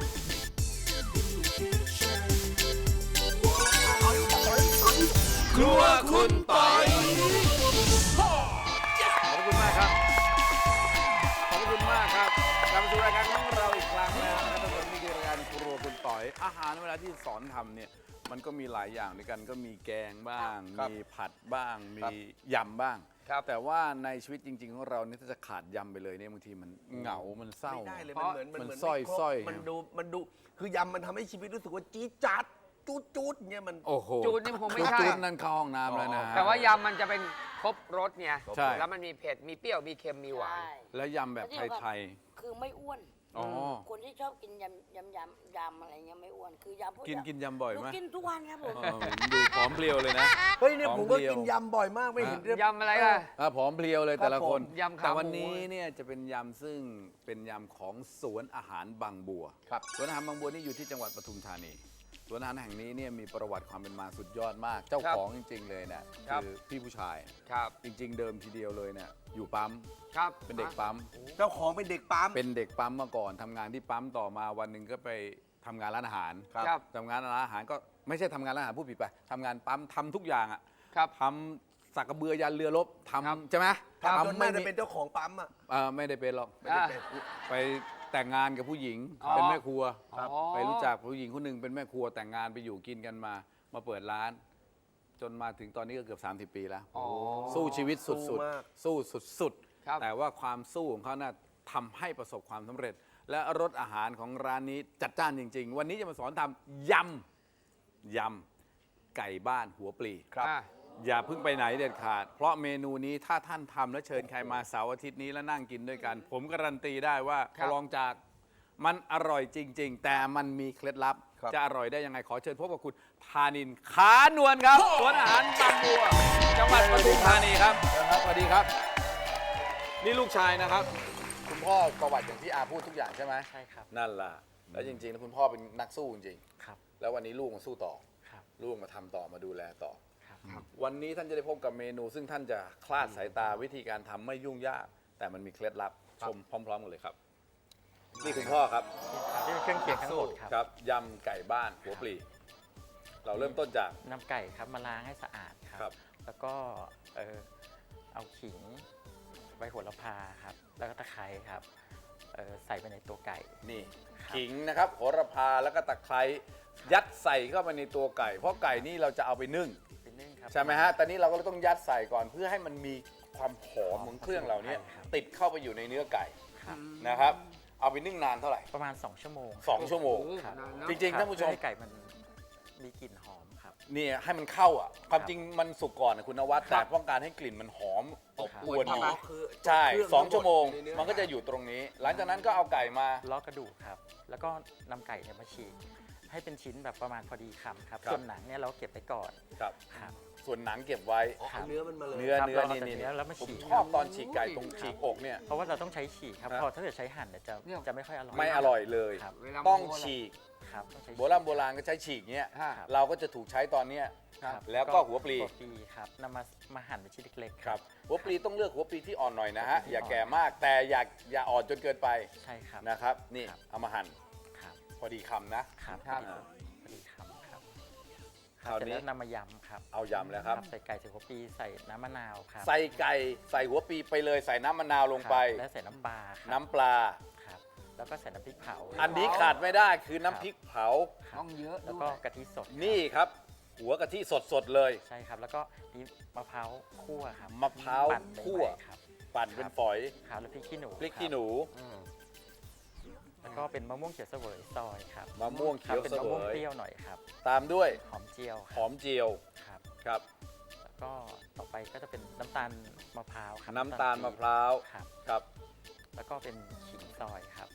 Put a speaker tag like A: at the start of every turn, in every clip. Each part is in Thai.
A: ครัวคุณปอยขอบคุณมากครับขอบคุณมากครับกลับมาสู่รายการของเราอีกครั้งแล้วนะครับท่านผู้ชมนี่คือรายการครัวคุณปอยอาหารเวลาที่สอนทำเนี่ยมันก็มีหลายอย่างด้วยกันก็มีแกงบ้างมีผัดบ้างมียำบ้างแต่ว่าในชีวิตจริงๆของเราเนี่ยถ้าจะขาดยำไปเลยเนี่ยบางทีมันเหงามันเศร้า
B: ไม่ได้เลยมันเหมือน
A: สร้อย
B: มันดูคือยำมันทำให้ชีวิตรู้สึกว่าจี๊ดจ๊าดจูดเนี่ยมัน
A: โอ้โห
C: จูดนี่คงไม่ใช่
A: จูดนั่นเข้าห้องน้ำแล้วนะ
C: แต่ว่ายำมันจะเป็นครบรสไง
A: ใช่
C: แล้วมันมีเผ็ด มีเปรี้ยว มีเค็ม มีหวาน
D: ใช่
A: แล้วยำแบบไทย
D: คือไม่อ้วน
A: ๆอ๋อ
D: คนที่ชอบกินยำอะไรเงี้ยไม่อ้วน คือยำพวก
A: กินยำบ่อยไหม
D: หนูกินทุกวันครับผม
A: ดูผอมเพรียวเลยนะ
B: เฮ้ยเนี่ยผมก็
A: ของเดียว
B: กินยำบ่อยมากไม่เห็น
C: ยำอะไรล่ะ
A: ผอมเพรียวเลยแต่ละคน
C: ยำขาหมู
A: แต่วันนี้เนี่ยจะเป็นยำซึ่งเป็นยำของสวนอาหารบางบัว
B: ครับ
A: สวนอาหารบางบัวนี่อยู่ที่จังหวัดปทุมธานีสวนอาหารแห่งนี้เนี่ยมีประวัติความเป็นมาสุดยอดมาก เจ้าของจริงๆเลยเนี่ยคือพี่ผู้ชาย
C: ครับ
A: จริงๆ เดิมทีเดียวเลยเนี่ยอยู่ปั๊ม
C: ครับ
A: เป็นเด็กปั๊ม
B: เจ้าของเป็นเด็กปั๊ม
A: เป็นเด็กปั๊มมาก่อนทำงานที่ปั๊มต่อมาวันหนึ่งก็ไปทำงานร้านอาหาร
C: ครับ
A: ทำงานร้านอาหารก็ไม่ใช่ทำงานร้านอาหารผู้ผิดไปทำงานปั๊มทำทุกอย่างอ่ะ
C: ครับ
A: ทำสักกระเบือยันเรือรบ
C: ครับ
A: ทำใช่ไหม
B: ปั๊มจน
A: ไม่
B: น่าจะ
A: มี
B: เป็นเจ้าของปั๊มอ่ะ
A: ไม่ได้เป็นหรอก
B: ไม่ได้เป็น
A: ไปแต่งงานกับผู้หญิง
C: อ๋อ
A: เป็นแม่ครัว
C: ครับ
A: ไปรู้จักผู้หญิงคนหนึ่งเป็นแม่ครัวแต่งงานไปอยู่กินกันมาเปิดร้าน จนมาถึงตอนนี้ก็เกือบ30 ปีแล้ว
C: อ๋อ
A: สู้ชีวิตสุ
B: สู้
A: ด
B: มาก
A: ๆสู้สุด
C: ครับ
A: ๆแต่ว่าความสู้ของเขาน่ะทำให้ประสบความสำเร็จ และรสอาหารของร้านนี้จัดจ้านจริง ๆ วันนี้จะมาสอนทำยำไก่บ้านหัวปลี
C: อ่ะ
A: อย่าเพิ่งไปไหนเด็ดขาด เพราะเมนูนี้ถ้าท่านทำและเชิญใครมาเสาร์อาทิตย์นี้แล้วนั่งกินด้วยกัน ผมการันตีได้ว่า
C: ครับ
A: ลองจากมันอร่อยจริง ๆ แต่มันมีเคล็ดลับ
B: ครับ
A: จะอร่อยได้ยังไงขอเชิญพบกับคุณธานินท์ขานวลครับสวนอาหารบางบัวจังหวัดปทุมธานีครับสวัสดีครับ นี่ลูกชายนะครับ คุณพ่อประวัติอย่างที่อาพูดทุกอย่างใช่ไหม
E: ใช่ครับ
A: นั่นล่ะแล้วจริงๆแล้วคุณพ่อเป็นนักสู้จริง
E: ครับ
A: ๆแล้ววันนี้ลูกมาสู้ต่อ
E: ครับ
A: ลูกมาทำต่อมาดูแลต่อ
E: ครับ
A: วันนี้ท่านจะได้พบกับเมนู ซึ่งท่านจะคลาดสายตาวิธีการทำไม่ยุ่งยาก แต่มันมีเคล็ดลับชมพร้อมๆกันเลยครับ นี่คุณพ่อครับ
E: นี่เป็นเครื่องเคียงทั้งหมดครับ
A: ครับยำไก่บ้านหัวปลี เราเริ่มต้นจาก
E: นำไก่ครับมาล้างให้สะอาดค
A: ครั
E: รับ แล้วก็เอาขิงใบโหระพาครับ แล้วก็ตะไคร้ครับใส่ไปในตัวไก่
A: นี่
E: ครับ
A: ขิงนะครับโหระพาแล้วก็ตะไคร้ยัดใส่เข้าไปในตัวไก่ เพราะไก่นี่เราจะเอาไปนึ่ง
E: เป็นนึ่งครับ
A: ใช่ไหมฮะ ตอนนี้เราก็ต้องยัดใส่ก่อนเพื่อให้มันมีความหอมของเครื่องเราเนี่ย
E: ครับ
A: ติดเข้าไปอยู่ในเนื้อไก่
E: ครับ
A: นะครับ เอาไปนึ่งนานเท่าไหร่
E: ประมาณ 2 ชั่วโมง
A: 2 ชั่วโมง
E: ครับ
C: นานเนอะ
A: จริงๆท่านผู้ชม
E: เพื่อให้ไก่มันมีกลิ่นหอมครับ
A: นี่ให้มันเข้าอ่ะ ความจริงมันสุกก่อนนะคุณนวัด
C: ครั
A: แต่
C: บ
A: ต้องการให้กลิ่นมันหอมอบอวนอยู่
B: อ๋อคือ
A: ใช่
B: เครื่อง
A: 2 ชั่วโมง
B: ในเนื้อ
A: มันก็จะอยู่ตรงนี้ หลังจากนั้นก็เอาไก่มา
E: ล้อกระดูกครับ แล้วก็นำไก่เนี่ยมาฉีกให้เป็นชิ้นแบบประมาณพอดีคำครับ
A: ครับ
E: ส่วนหนังเนี่ยเราเก็บไว้ก่อน
A: ครับ
E: ครับ
A: ส่วนหนังเก็บไว้
B: อ๋อเอาเนื้อมันมาเลย
A: เนื้อ
E: ครับ
A: เนื้อ
E: เราเอา
A: นี่
E: แต่
A: นี่
E: เนื้อแล้วมา
A: ผม
E: ฉีก
A: ชอบตอนฉีกไก่ตรงฉีกอกเนี่ย
E: เพราะว่าเราต้องใช้ฉีกครับ
A: ครับ
E: พอถ้าเกิดใช้หั่นเนี่ยจะไม่ค่อยอร่อย
A: ไม่อร่อยเลย
E: ครับ
C: เวลา
A: ต้อง
C: โมโห
A: ฉีก
E: ครับต้องใช้
A: โบราณก็ใช้ฉีกเนี้ย
C: ฮะ
A: เราก็จะถูกใช้ตอนเนี้ย
E: ครับ
A: แล้วก็หัวปลี
E: หัวปลีครับนำมาหั่นเป็นชิ้นเล็กๆ
A: ครับหัวปลีต้องเลือกหัวปลีที่อ่อนหน่อยนะฮะ
E: หัวปลี
A: อย่าแก่มากแต่อย่าอ่อนจนเกินไป
E: ใช่ครับ
A: นะครับ นี่
E: ครับ
A: เอามาหั่น
E: ครับ
A: พอดีคำนะ
E: ครับ
C: ครับ
E: พอดีคำครับ
A: คราวนี้
E: เสร็จแล้วนำมายำครับ
A: เอายำแล้วครับ
E: ใส่ไก่ใส่หัวปลีใส่น้ำมะนาวครับ
A: ใส่ไก่ใส่หัวปลีไปเลยใส่น้ำมะนาวลงไป
E: ครับแล้วใส่น้ำปลาครับ
A: น้ำปลา
E: ครับแล้วก็ใส่น้ำพริกเผา
A: อันนี้ขาดไม่ได้คือน้ำพริกเผา
E: ครับ
C: ต้องเยอะ
E: แล้ว
C: ด้
E: ก็
C: วย
E: กะทิสดครับ
A: นี่ครับ หัวกะทิสดๆเลย
E: ใช่ครับ แล้วก็นี่มะพร้าวคั่วครับ
A: มะพร้าว
E: ปั่นใหม่ๆ
A: คั่ว
E: ครับ
A: ปั่นเป็นฝอย
E: ครับแล้วพริกขี้หนู
A: พริกขี้หนู
E: แล้วก็เป็นมะม่วงเขียวเสวยซอยครับ
A: มะม่วงเขียว
E: ครับเป็น
A: เส
E: มะ
A: ว
E: ม่วง
A: ย
E: เปรี้ยวหน่อยครับ
A: ตามด้วย
E: หอมเจียวค
A: ห
E: รับ
A: อมเจียว
E: ครับ
A: ครับ
E: แล้วก็ต่อไปก็จะเป็นน้ำตาลมะพร้าวครับ
A: น้ำตาลมะพร้าว
E: ครับ
A: ครับ
E: แล้วก็เป็นขิงซอยครับ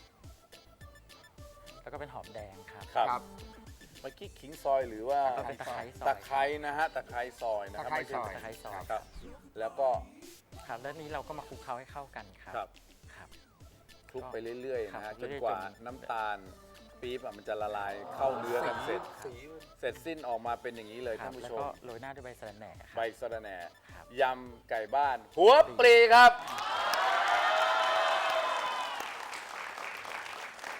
E: แล้วก็เป็นหอมแดงครับ
A: ครับ
C: ครับ
A: เมื่อกี้ขิงซอยหรือว่า
E: แล้วก็เป็นตะไคร้ซอย
A: ตะไคร้นะฮะตะไคร้ซอยนะครับ
C: ตะไคร้
A: ไม่ใช่
C: ซอย
E: ตะไคร้ซอย
A: ครับ แล้วก็
E: ครับแล้วนี้เราก็มาคลุกเคล้าให้เข้ากันครับ
A: ครับ
E: ครับ
A: คลุกไปเรื่อยๆ
E: ครั
A: นะฮะ
E: บ
A: จนกว่า
E: เรื่อยๆจน
A: น้ำตาลปี๊บอะมันจะละลายเข้าเนื้อกันเสร็จ เสร็จสิ้นออกมาเป็นอย่างนี้เลย
E: ครั
A: ท่า
E: บ
A: นผู้
E: แล้ว
A: ชม
E: ก็โรยหน้าด้วยใบสะระแหน่ค
A: ใบ
E: รับ
A: สะระแหน่
E: ครับ
A: ยำไก่บ้าน หัวปลีครับ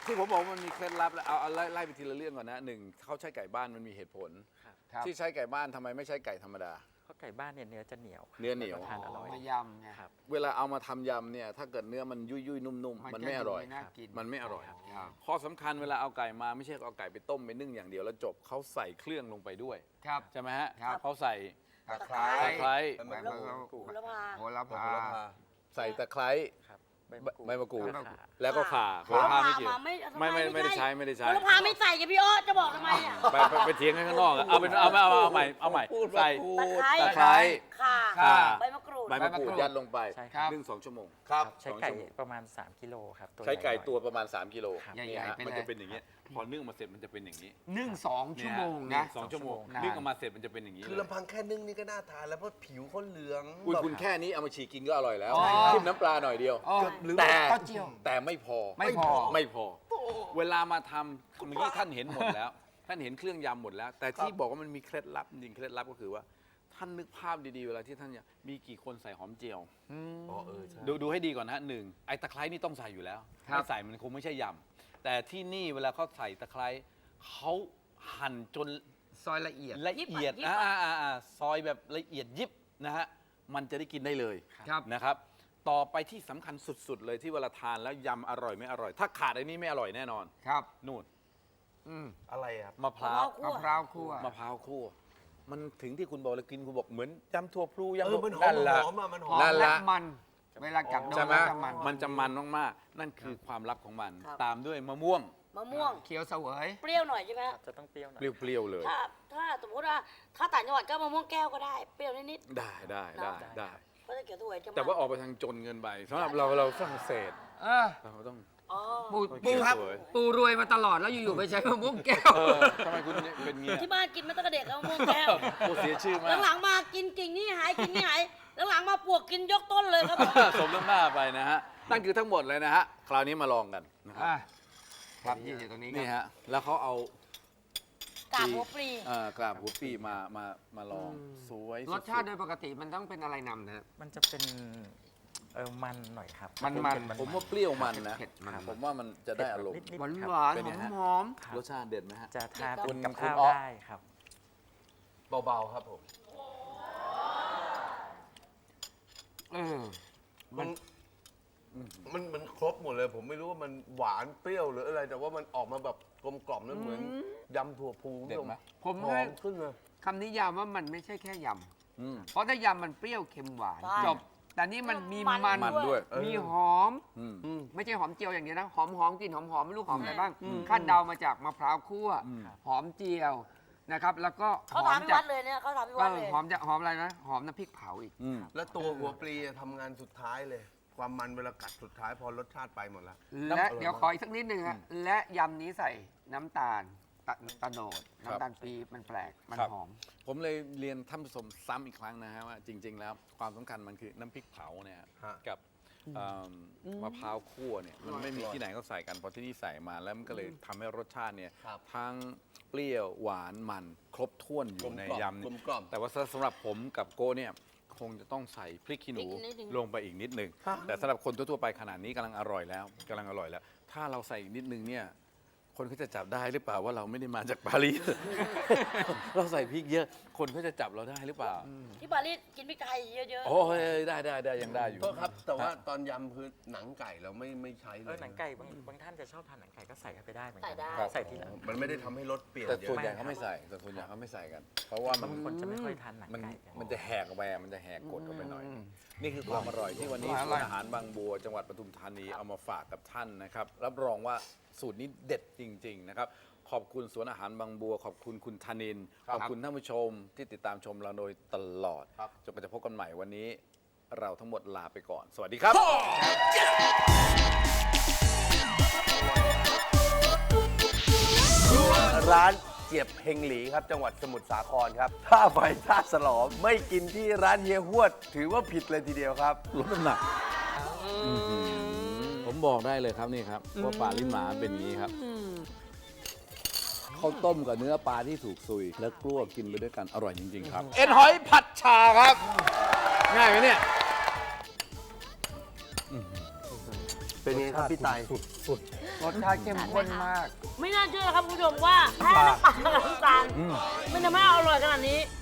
A: ที่ผมบอกว่ามันมีเคล็ดลับแล้วเอาไล่ไปทีละเรื่องก่อนนะหนึ่งเขาใช้ไก่บ้านมันมีเหตุผล
C: ครับ
A: ที่ใช้ไก่บ้านทำไมไม่ใช้ไก่ธรรมดา
E: เพราะไก่บ้านเนี่ยเนื้อจะเหนียว
A: เนื้อเหนียว
E: ทานอร่อย
C: มายำไง
E: ครับ
A: เวลาเอามาทำยำเนี่ยถ้าเกิดเนื้อมันยุ่ยๆนุ่มๆมันไม่อร่อย
C: น่ากิน
A: มันไม่อร่อย
C: ครับ
A: ข้อสำคัญเวลาเอาไก่มาไม่ใช่เอาไก่ไปต้มไปนึ่งอย่างเดียวแล้วจบเขาใส่เครื่องลงไปด้วย
C: ครับ
A: ใช่ไหมฮะ
C: ครับ
A: เขาใส่
C: ตะไคร้
A: ตะไคร้
C: ใบมะกรูด
D: โหระพา
C: โหระพา
A: ใส่ตะไคร้
E: ครับ
A: ใบมะกรูด
E: แล้วข่า
A: แล้วก็ข่าโหระพาไม่เกี่ยว ไม่ได้ใช้ไม่ได้ใช้
D: โหระพาไม่ใส่กับพี่อ้อจะบอกทำไมอ่ะ
A: ไปเถียงกันข้างนอกอะเอาใหม่ใส่
D: ตะไคร้
A: ตะไคร้
D: ข่า
A: ข่า
D: ใบมะกรูด
A: ใบมะกรูดยัดลงไป
E: ใช่
C: ครับ
A: นึ่ง2 ชั่วโมง
B: ครับ
E: ใช้ไก่ประมาณ 3 กิโลครับตัว
A: ใช้ไก่
E: ใหญ่หน่อย
A: ตัวประมาณ3 กิโล
E: ครับ
C: ใหญ่
A: เนี่ยฮะ
C: ๆไปเลย
A: มันจะเป็นอย่างนี้พอนึ่งมาเสร็จมันจะเป็นอย่างนี้
C: นึ่ง2 ชั่วโมง
A: เนี่ย
C: นะ
A: สองชั่วโมง
C: นาน
A: นึ่งออกมาเสร็จมันจะเป็นอย่างนี้
B: คือลำพังแค่นึ่งนี่ก็น่าทานแล้วเพราะผิวเขาเหลือง
A: คุณ
B: แบบ
A: คุณแค่นี้เอามาฉีกกินก็อร่อยแล้ว
C: อ๋อ
A: จิ้มน้ำปลาหน่อยเดียว
C: อ๋อ
B: หรือ
A: แต่
C: ข้าวเจียว
A: แต่ไม่พอ
C: ไม่พอ
A: ไม่พอ เวลามาทำเมื่อกี้ท่านเห็นหมดแล้ว ท่านเห็นเครื่องยำหมดแล้ว แต่ที่บอกว่ามันมีเคล็ดลับจริงๆเคล็ดลับก็คือว่า ท่านนึกภาพดีๆเวลาที่ท่านเนี่ยมีกี่คนใส่หอมเจียว
B: อ๋อใช่
A: ดูให้ดีก่อนนะฮะหนึ่งไอ้ตะไคร้นี่ต้องใส่อยู่แล้ว
C: ครับ
A: ไม่ใส่มันคงไม่ใช่ยำแต่ที่นี่เวลาเขาใส่ตะไคร้เขาหั่นจน
C: ซอยละเอียด
A: ละเอียดซอยแบบละเอียดยิบนะฮะมันจะได้กินได้เลย
C: ครับ
A: นะครับ ต่อไปที่สำคัญสุดๆเลยที่เวลาทานแล้วยำอร่อยไม่อร่อย ถ้าขาดไอ้นี้ไม่อร่อยแน่นอน
C: ครับ
A: นู่น
B: อะไรครับ
A: มะพร้าว
C: มะพร้าวคั่ว
A: มะพร้าวคั่วมันถึงที่คุณบอกเลยกินคุณบอกเหมือนยำถั่วพลูยำ
B: มันหอ
A: นั่
B: ม
A: นละ
B: หอมอะมันห
C: ห
B: อ
C: อ
B: ม
C: ม
A: นั่น
C: และ
A: ละ
C: มัน เวลากัดโดน
A: ใช่ไหม
C: แล้วจะมัน
A: มันจะมันมากๆนั่นคือความลับของมัน
D: ครับ
A: ตามด้วยมะม่วง
D: มะม่วง
C: เคี้ยวเสวย
D: เปรี้ยวหน่อยใช่ไหมฮะ
E: จะต้องเปรี้ยวหน่อย
A: เปรี้ยวๆเลย
D: ถ้าสมมติว่าถ้าต่างจังหวัดก็มะม่วงแก้วก็ได้ เปรี้ยวนิด
A: ได้
D: ๆเพราะถ้าเกี่ยวถั่วจะมัน
A: แต่ว่าออกไปทางจนเงินไปสำหรับเราฝรั่งเศส
C: เออ
A: เราต้อง
D: อ๋อ
C: ปู
A: เกี่ยว
C: ครับ
A: สวย
C: ปูรวยมาตลอดแล้วอยู่ๆไปใช้มะม่วงแก้ว
A: ทำไมคุณเป็นเงี้ย
D: ที่บ้านกินมาตั้งแต่เด็กแล้วมะม่วงแก้ว
A: โอ้เสียชื่อมาก
D: หลังๆมากินกิ่งนี่หายกิ่งนี่หายหลังๆมาปวกกินยกต้นเลยครับผม
A: สมน้ำหน้าไปนะฮะ นั่นคือทั้งหมดเลยนะฮะ คราวนี้มาลองกันนะครับ
C: อ่ะครับยืนอยู่ตรงนี้
A: นี่
C: ครับ
A: ฮะ แล้วเขาเอา
D: กากหัวปลี
A: กราบหัวปีมาลองสวย
C: รสชาติ
A: สุ
C: โด
A: ด
C: ยปกติมันต้องเป็นอะไรนำนะ
E: มันจะเป็นมันหน่อยครับ
C: มัน
A: ๆผมว่าเปรี้ยวมันนะ
C: เผ็ดมัน
A: ผมว่ามันจะได้อารมณ์
C: หวาน
E: ครับ
C: หวาน
A: เป็นไงฮะ
C: หอม
A: รสชาติเด็ดไหมฮะ
E: จะทาน
A: คุณ
E: กับ
A: คุณ
E: ข้าว
A: อ๊อ
E: ได้ครับ
B: เบาๆครับผม
C: เออ
B: มันครบหมดเลย ผมไม่รู้ว่ามันหวานเปรี้ยวหรืออะไร แต่ว่ามันออกมาแบบกลมกล่อมแล้วเหมือนยำถั่วพู
A: เด็ดไหม
C: ผม
B: หอ
C: ให้
B: มขึ้นเลย
C: คำนิยามว่ามันไม่ใช่แค่ย
A: อืม
C: ำ เพราะถ้ายำมันเปรี้ยวเค็มหวาน
D: ใช่
C: จบ แต่นี่มันมี
D: มัน
C: มัน
A: ด้วย
C: มีหอม
A: อืม
C: ไม่ใช่หอมเจียวอย่างเดียวนะ หอมกลิ่นหอมไม่รู้หอมอะไรบ้างคาดเดามาจากมะพร้าวคั่ว หอมเจียวนะครับ แล้วก็ห
D: เขา
C: อม
D: ทำที่
C: จา
D: วั
C: ก
D: ดเลยเนี่ยเขาทำที่
C: เอ
D: วัด
C: อ
D: เลย
C: หอมจากหอมอะไรนะ หอมน้ำพริกเผาอีก
A: อืม
B: แล้วตัวหัวปลีทำงานสุดท้ายเลย ความมันเวลากัดสุดท้ายพอรสชาติไปหมดแล้ว
C: และเดี๋ยวขออีกสักนิดนึงฮะและยำนี้ใส่น้ำตาลตะโนด
A: ครับ
C: น้ำตาลปี๊บมันแปลก มัน
A: ครับ
C: หอม
A: ผมเลยเรียนท่านผู้ชมซ้ำอีกครั้งนะฮะว่าจริง ๆ แล้วความสำคัญมันคือน้ำพริกเผาเนี่ย
B: ฮะ
A: กับมะพร้าวคั่วเนี่ยมันไม่มีที่ไหนเขาใส่กันพอที่นี่ใส่มาแล้วมันก็เลยทำให้รสชาติเนี่ย
B: ครับ
A: ทั้งเปรี้ยวหวานมันครบถ้วนอยู่ในยำ
B: กล
A: เนี่ย
B: มกล่อม
A: แต่ว่าสำหรับผมกับโก้เนี่ยคงจะต้องใส่พริกขี้หนู
D: พริกนิดนึง
A: ลงไปอีกนิดหนึ่งแต่สำหรับคนทั่วๆไปขนาดนี้กำลังอร่อยแล้วกำลังอร่อยแล้ว ถ้าเราใส่อีกนิดนึงเนี่ยคนเขาจะจับได้หรือเปล่าว่าเราไม่ได้มาจากปารีส เราใส่พริกเยอะ คนเขาจะจับเราได้หรือเปล่า
D: ที่ปารีสกินพริกไทยเยอะ
A: โอ้ยได้ยังได้อยู่
B: โทษครับ แต่ว่าตอนยำคือหนังไก่เราไม่ใช้เล
E: หนังไก่บางท่านจะชอบทานหนังไก่ก็ใส่เข้าไปได้เหมือน
D: ใส่
E: กัน
D: ได้
E: ครับใส่ทีหลัง
B: มันไม่ได้ทำให้รสเปลี่ยน
A: แต่
B: เย
A: ส่วน
B: อะ
A: ใหญ่เขาไม่ใส่แต่ส่วนใหญ่เขาไม่ใส่กัน เพราะว่ามัน
E: บางคนจะไม่ค่อยทานหนัง
A: มัน
E: ไก่กัน
A: มันจะแหกออกไปมันจะแหกกดออกไปหน่อย นี่คือความอร่อยที่วันนี้
C: อ
A: ศู
C: ร่อย
A: นย์อาหารบางบัว จังหวัดปทุมธานีเอามาฝากกับท่านนะครับรับรองว่าสูตรนี้เด็ดจริง ๆ นะครับ ขอบคุณสวนอาหารบางบัว ขอบคุณคุณธนินทร์ขอบคุณท่านผู้ชมที่ติดตามชมเราโดยตลอดจนกว่าจะพบกันใหม่วันนี้ เราทั้งหมดลาไปก่อน สวัสดีครับ
B: ร้านเจียบเฮงหลีครับ จังหวัดสมุทรสาครครับ ถ้าไฟท่าสลอมไม่กินที่ร้านเฮียฮวด ถือว่าผิดเลยทีเดียวครับ
A: ลดน้ำหนักผมบอกได้เลยครับนี่ครับว่าปลาลิ้นหมาเป็นอย่างนี้ครับข้าวต้มกับเนื้อปลาที่ถูกซุย แล้วกล้วกินไปด้วยกันอร่อยจริง ๆ ครับ เอ็นหอยผัดชาครับ ง่ายไหมเนี่ย
B: เป็นไงครับพี่ไต
A: สุด
C: รสชาติเข้มข้นมาก
F: ไม่น่าเชื่อครับคุณผู้ชมว่าแค่น้ำปลากับน้ำตาลมันจะไม่อร่อยขนาดนี้